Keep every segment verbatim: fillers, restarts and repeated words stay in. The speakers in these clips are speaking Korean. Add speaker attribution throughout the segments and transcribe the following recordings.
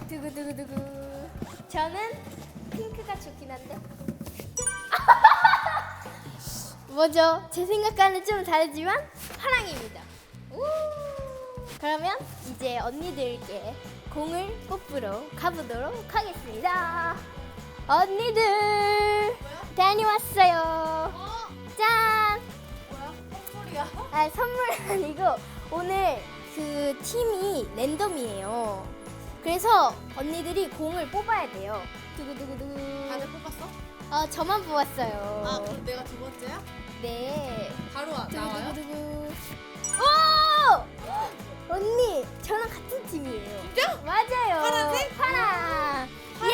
Speaker 1: 두구두구두구. 저는 핑크가 좋긴 한데. 뭐죠? 제 생각과는 좀 다르지만 파랑입니다. 우! 그러면 이제 언니들께 공을 뽑으러 가보도록 하겠습니다. 언니들 다녀왔어요. 짠!
Speaker 2: 뭐야? 선물이야?
Speaker 1: 아, 선물 아니고 오늘 그 팀이 랜덤이에요. 그래서 언니들이 공을 뽑아야 돼요. 두구두구두구.
Speaker 2: 다들 뽑았어?
Speaker 1: 어, 저만 뽑았어요.
Speaker 2: 아, 그럼 내가 두 번째야?
Speaker 1: 네.
Speaker 2: 바로 와, 나와요?
Speaker 1: 두구두구두구. 오! 언니, 저랑 같은 팀이에요.
Speaker 2: 진짜?
Speaker 1: 맞아요.
Speaker 2: 파란색?
Speaker 1: 파랑. 예!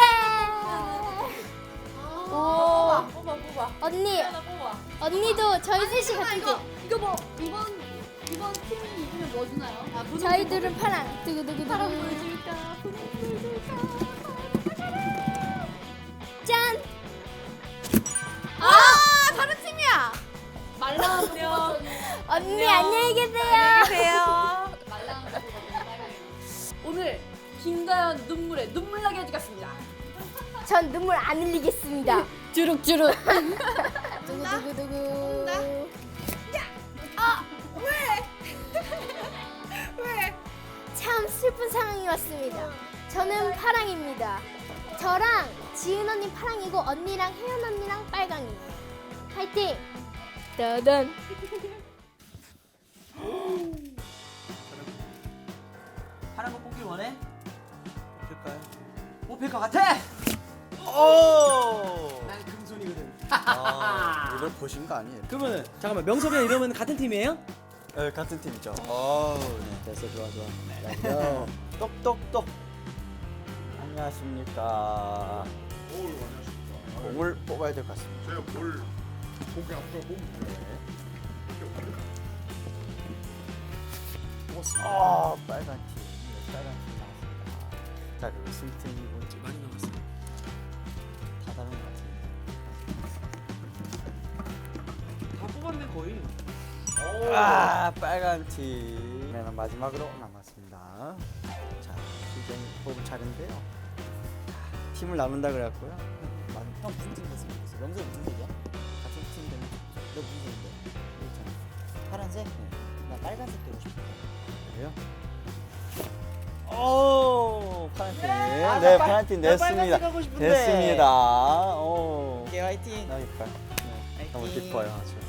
Speaker 2: 아,
Speaker 1: 오.
Speaker 2: 뽑아, 뽑아, 뽑아.
Speaker 1: 언니,
Speaker 2: 하나 뽑아.
Speaker 1: 언니도 저희 셋이
Speaker 2: 잠깐만,
Speaker 1: 같은
Speaker 2: 이거,
Speaker 1: 팀.
Speaker 2: 이거 뭐, 이번, 이번 팀이 이기면 뭐 주나요? 아, 분홍
Speaker 1: 저희들은 파랑. 두구두구두구.
Speaker 2: 파랑 보여줄까? 분홍 보여줄까?
Speaker 1: 짠!
Speaker 2: 아, 다른 팀이야! 말라우려.
Speaker 1: 언니,
Speaker 2: 안녕.
Speaker 1: 안녕히 계세요.
Speaker 2: 안녕하세요. 오늘 김가연 눈물에 눈물 나게 해주겠습니다.
Speaker 1: 전 눈물 안 흘리겠습니다. 주룩주룩. 두구두구두구.
Speaker 2: 아, 왜? 왜?
Speaker 1: 참 슬픈 상황이 왔습니다. 저는 파랑입니다. 저랑 지은 언니 파랑이고 언니랑 혜연 언니랑 빨강이에요. 파이팅! 따단.
Speaker 3: 파란 거 뽑길 원해?
Speaker 4: 될까요?
Speaker 3: 뽑힐 것 같아?
Speaker 4: 오!
Speaker 3: 난 금손이거든.
Speaker 4: 아, 이걸 보신 거 아니에요?
Speaker 3: 그러면은 잠깐만 명섭이랑 이러면 같은 팀이에요?
Speaker 4: 네, 같은 팀이죠. 어, 네, 됐어, 좋아, 좋아. 야, 똑똑똑. 안녕하십니까.
Speaker 5: 뭘 원하십니까?
Speaker 4: 공을 뽑아야 될 것 같습니다.
Speaker 5: 제가 뭘 고개 앞으로 보면 돼요. 뽑았습니다.
Speaker 4: 아, 빨간 팀. 네, 빨간 팀 나왔습니다. 자, 그리고 승팀이 뭔지
Speaker 3: 많이 나왔어요.
Speaker 4: 다 다른 것 같은데.
Speaker 3: 다 뽑았네 거의.
Speaker 4: 아, 빨간 팀. 네, 마지막으로 남았습니다. 자, 이제 뽑을 차례인데요. 자, 팀을 나눈다 그래갖고요. 만- 형 무슨 팀 됐으면 좋겠어? 명수 무슨 팀이야? 같은 팀 되면 좋죠. 너 무슨 팀인데? 있잖아. 파란색? 네. 나 빨간색 되고 싶어. 그래요? 오, 파란 팀.
Speaker 3: 아,
Speaker 4: 네,
Speaker 3: 나 빨-
Speaker 4: 파란 팀
Speaker 3: 나
Speaker 4: 냈습니다.
Speaker 3: 빨간색 하고 싶은데.
Speaker 4: 됐습니다. 오.
Speaker 3: 오케이 화이팅.
Speaker 4: 나 이빨. 네, 너무
Speaker 3: 화이팅.
Speaker 4: 기뻐요. 아주.